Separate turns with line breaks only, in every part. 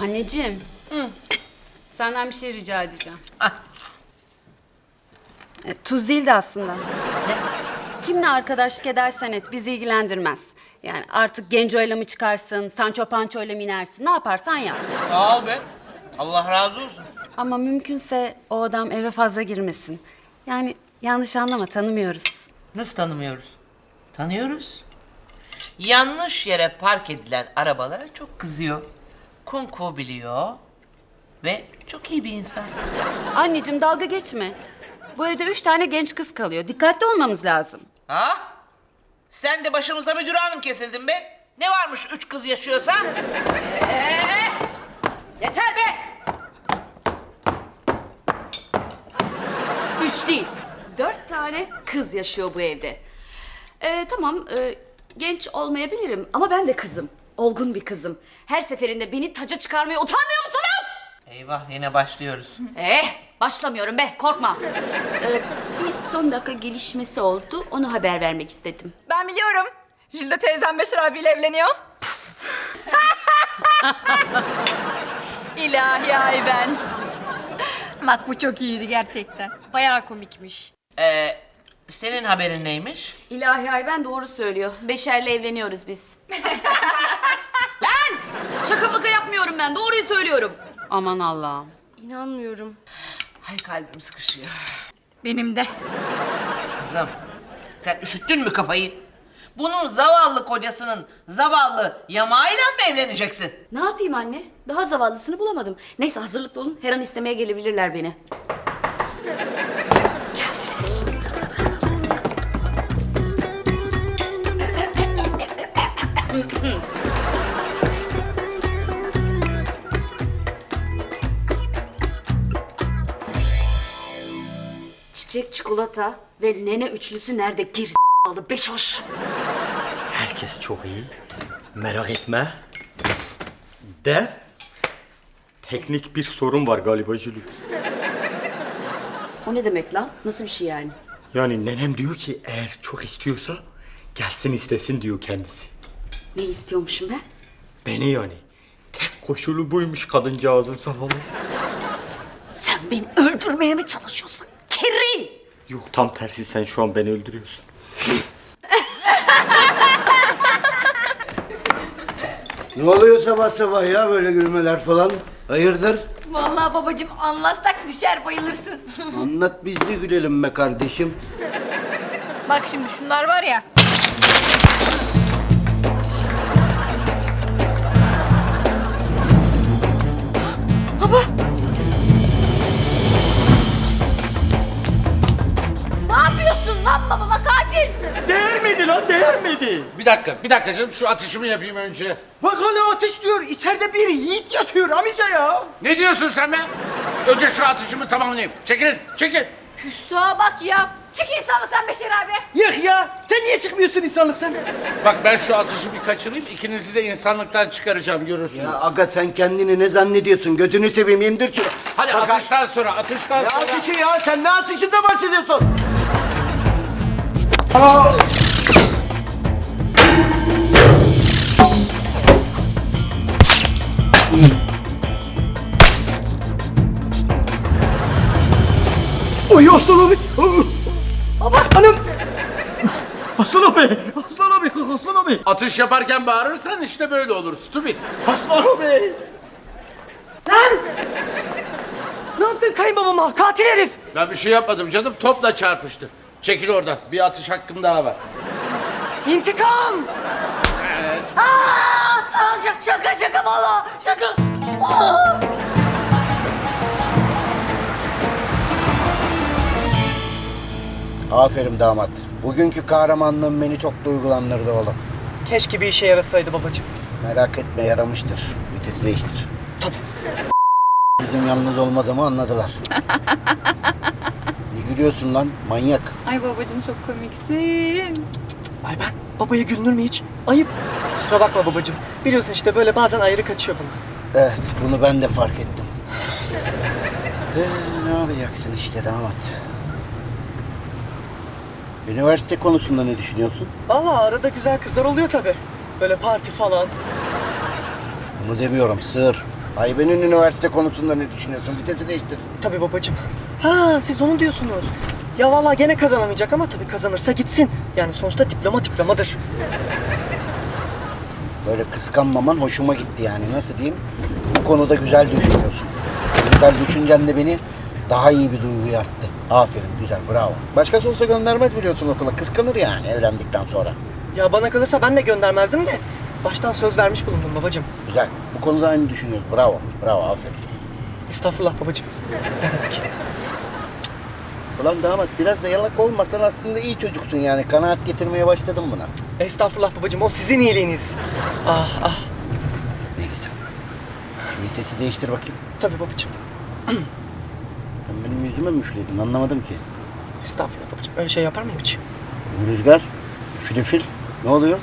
Anneciğim. Senden bir şey rica edeceğim.
Ah.
Tuz değildi aslında.
Ne?
Kimle arkadaşlık edersen et bizi ilgilendirmez. Yani artık Genco'yla mı çıkarsın, Sancho Pancho'yla mı inersin, ne yaparsan yap.
Sağ ol be. Allah razı olsun.
Ama mümkünse o adam eve fazla girmesin. Yani yanlış anlama, tanımıyoruz.
Nasıl tanımıyoruz? Tanıyoruz. Yanlış yere park edilen arabalara çok kızıyor. Kung biliyor. Ve çok iyi bir insan.
Anneciğim dalga geçme. Bu evde 3 tane genç kız kalıyor. Dikkatli olmamız lazım.
Ha? Sen de başımıza müdür hanım kesildin be. Ne varmış 3 kız yaşıyorsa?
Yeter be! 3 değil, 4 tane kız yaşıyor bu evde. Tamam, genç olmayabilirim ama ben de kızım. Olgun bir kızım. Her seferinde beni taca çıkarmaya utanmıyor musunuz?
Eyvah yine başlıyoruz.
Başlamıyorum be, korkma. Bir son dakika gelişmesi oldu, onu haber vermek istedim.
Ben biliyorum. Jülde teyzem Beşir abiyle evleniyor. İlahi ay ben. Bak bu çok iyiydi gerçekten. Bayağı komikmiş.
Senin haberin neymiş?
İlahi ay ben doğru söylüyor. Beşer'le evleniyoruz biz. Lan! Şaka maka yapmıyorum ben, doğruyu söylüyorum. Aman Allah'ım.
İnanmıyorum.
Ay kalbim sıkışıyor.
Benim de.
Kızım sen üşüttün mü kafayı? Bunun zavallı kocasının zavallı yamağıyla mı evleneceksin?
Ne yapayım anne? Daha zavallısını bulamadım. Neyse hazırlıklı olun, her an istemeye gelebilirler beni. Çiçek, çikolata ve nene üçlüsü nerede? Gir*****alı beşoş.
Herkes çok iyi. Merak etme. De teknik bir sorun var galiba Jülü.
O ne demek lan? Nasıl bir şey yani?
Yani nenem diyor ki eğer çok istiyorsa gelsin istesin diyor kendisi.
Ne istiyormuşum ben?
Beni yani. Tek koşulu buymuş kadıncağızın zavallı.
Sen beni öldürmeye mi çalışıyorsun? Kerri!
Yok tam tersi sen şu an beni öldürüyorsun.
Ne oluyor sabah sabah ya böyle gülmeler falan? Hayırdır?
Vallahi babacığım anlatsak düşer bayılırsın.
Anlat biz de gülelim be kardeşim.
Bak şimdi şunlar var ya. Ne yapıyorsun lan babama katil?
Değer miydi lan değer miydi?
Bir dakika canım şu atışımı yapayım önce.
Bak hala ateş diyor. İçeride bir yiğit yatıyor amca ya.
Ne diyorsun sen be? Önce şu atışımı tamamlayayım. Çekil.
Hüsnü'ye bak ya. Çık insanlıktan Beşir abi.
Yok ya. Sen niye çıkmıyorsun insanlıktan?
Bak ben şu atışı bir kaçırayım. İkinizi de insanlıktan çıkaracağım görürsünüz.
Ya aga sen kendini ne zannediyorsun? Gözünü seveyim indir şunu.
Hadi
Bak,
atıştan sonra.
Ne atışı ya? Sen ne atışında bahsediyorsun?
Oy Aslan abi. Baba. Hanım. Aslan abi. Aslan abi. Aslan abi.
Atış yaparken bağırırsan işte böyle olur. Stupid.
Aslan abi. Lan. Ne yaptın kayınbabama? Katil herif.
Ben bir şey yapmadım canım. Topla çarpıştı. Çekil oradan. Bir atış hakkım daha var.
İntikam.
Şaka valla. Şaka.
Aferin damat. Bugünkü kahramanlığın beni çok duygulandırdı oğlum.
Keşke bir işe yarasaydı babacığım.
Merak etme yaramıştır. Vites değiştir.
Tabii.
Bizim yalnız olmadığımı anladılar. Ne gülüyorsun lan manyak?
Ay babacığım çok komiksin.
Ay ben babaya gülünür mü hiç? Ayıp. Kusura bakma babacığım. Biliyorsun işte böyle bazen ayrı kaçıyor bana.
Evet bunu ben de fark ettim. Ne yapacaksın işte damat? Üniversite konusunda ne düşünüyorsun?
Vallahi arada güzel kızlar oluyor tabii. Böyle parti falan.
Bunu demiyorum sığır. Ayben'in üniversite konusunda ne düşünüyorsun? Vitesi değiştir.
Tabii babacığım. Ha siz onu diyorsunuz. Ya vallahi gene kazanamayacak ama tabii kazanırsa gitsin. Yani sonuçta diploma diplomadır.
Böyle kıskanmaman hoşuma gitti yani. Nasıl diyeyim? Bu konuda güzel düşünüyorsun. Güzel düşüncen de beni daha iyi bir duyguya attı. Aferin, güzel, bravo. Başkası olsa göndermez biliyorsun okula. Kıskanır yani evlendikten sonra.
Ya bana kalırsa ben de göndermezdim de baştan söz vermiş bulundum babacığım.
Güzel. Bu konuda aynı düşünüyoruz. Bravo, bravo, aferin.
Estağfurullah babacığım. Ne demek?
Ulan damat biraz da yalak olmasan aslında iyi çocuksun yani. Kanaat getirmeye başladım buna.
Estağfurullah babacığım, o sizin iyiliğiniz. Ah ah.
Ne güzel. Şu vitesi değiştir bakayım.
Tabii babacığım.
Sen benim yüzüme mi üfledin anlamadım ki.
Estağfurullah babacığım. Öyle şey yapar mıyım hiç?
Bu rüzgar, filifil. Ne oluyor?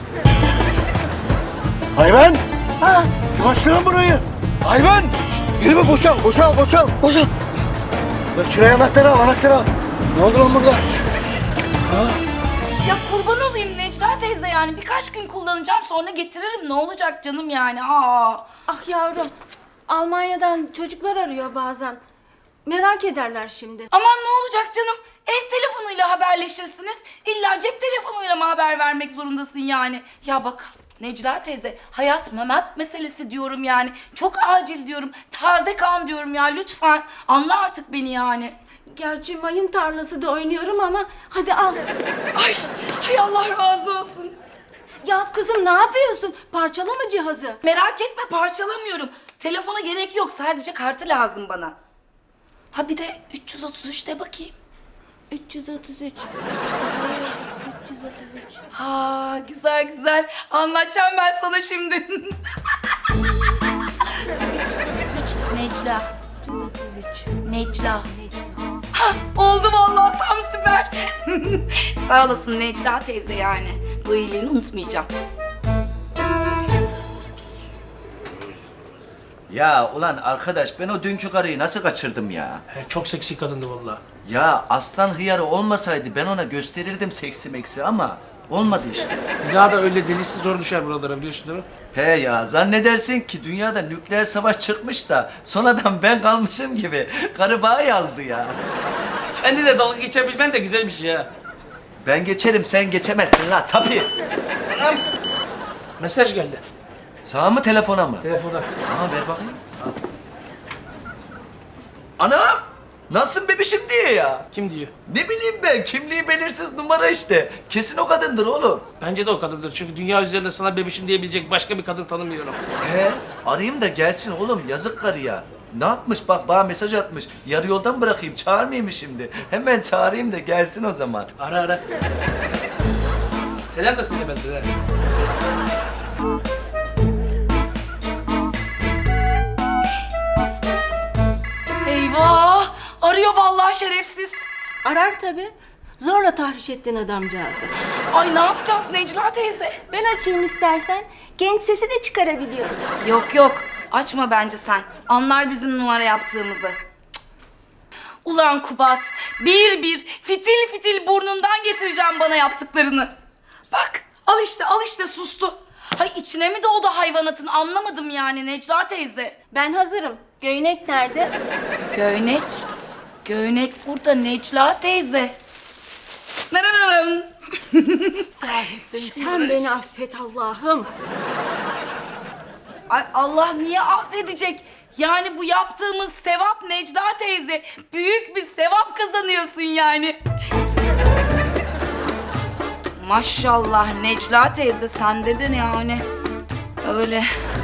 Hayvan! Ha! Yavaşlayın burayı! Hayvan! Yürü boşal, boşal, boşal! Boşal! Dur şuraya anahtarı al, anahtarı al. Ne oldu lan burada?
Ya kurban olayım Necla teyze yani birkaç gün kullanacağım sonra getiririm ne olacak canım yani aa.
Ah yavrum, Almanya'dan çocuklar arıyor bazen. Merak ederler şimdi.
Aman ne olacak canım ev telefonuyla haberleşirsiniz illa cep telefonuyla mı haber vermek zorundasın yani. Ya bak Necla teyze hayat memat meselesi diyorum yani çok acil diyorum taze kan diyorum ya lütfen anla artık beni yani.
Gerçi mayın tarlası da oynuyorum ama hadi al.
Ay hay Allah razı olsun.
Ya kızım ne yapıyorsun? Parçalama cihazı.
Merak etme parçalamıyorum. Telefona gerek yok sadece kartı lazım bana. Ha bir de 333'te bakayım.
333. 333.
Ha güzel güzel. Anlatacağım ben sana şimdi. 333 Necla.
333.
Necla. Ha oldu vallahi tam süper. Sağ olasın Necla teyze yani. Bu iyiliğini unutmayacağım.
Ya ulan arkadaş ben o dünkü karıyı nasıl kaçırdım ya?
Çok seksi kadındı vallahi.
Ya aslan hıyarı olmasaydı ben ona gösterirdim seksi meksi ama olmadı işte.
Bir daha da öyle delisi zor düşer buralara biliyorsun değil mi?
He ya zannedersin ki dünyada nükleer savaş çıkmış da sonradan ben kalmışım gibi karı bana yazdı ya.
Kendi de dalga geçebilmen de güzel bir şey ha.
Ben geçerim sen geçemezsin la tabii.
Mesaj geldi
Sağ mı telefona mı?
telefona.
Aa ver bakayım. Anam! Nasılsın bebişim diye ya.
Kim diyor?
Ne bileyim ben kimliği belirsiz numara işte. Kesin o kadındır oğlum.
Bence de o kadındır. Çünkü dünya üzerinde sana bebişim diyebilecek başka bir kadın tanımıyorum.
He, arayayım da gelsin oğlum yazık karıya. Ne yapmış bak bana mesaj atmış. Yarı yoldan bırakayım çağırmayayım mı şimdi? Hemen çağırayım da gelsin o zaman.
Ara ara. Selam da söyle benden ha.
Eyvah! Arıyor vallahi şerefsiz.
Arar tabii. Zorla tahriş ettin adamcağızı.
Ay ne yapacağız Necla teyze?
Ben açayım istersen. Genç sesi de çıkarabiliyorum.
Yok yok açma bence sen. Anlar bizim numara yaptığımızı. Cık. Ulan Kubat bir bir fitil fitil burnundan getireceğim bana yaptıklarını. Bak al işte sustu. Hay içine mi doğdu hayvanatın anlamadım yani Necla teyze.
Ben hazırım. Göynek nerede?
Göynek. Göynek burada Necla teyze. Narararım.
Sen beni affet Allah'ım.
Ay Allah niye affedecek? Yani bu yaptığımız sevap Necla teyze. Büyük bir sevap kazanıyorsun yani. Maşallah Necla teyze sende de yani. Öyle.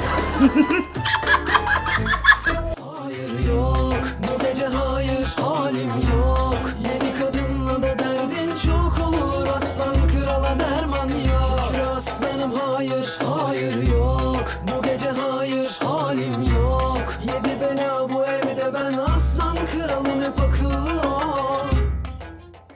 Hayır yok bu gece hayır halim yok. Yeni kadınla da derdin çok olur. Aslan krala derman yok. Şükür aslanım hayır hayır yok. Bu gece hayır halim yok. Yedi bela bu evde ben aslan kralım hep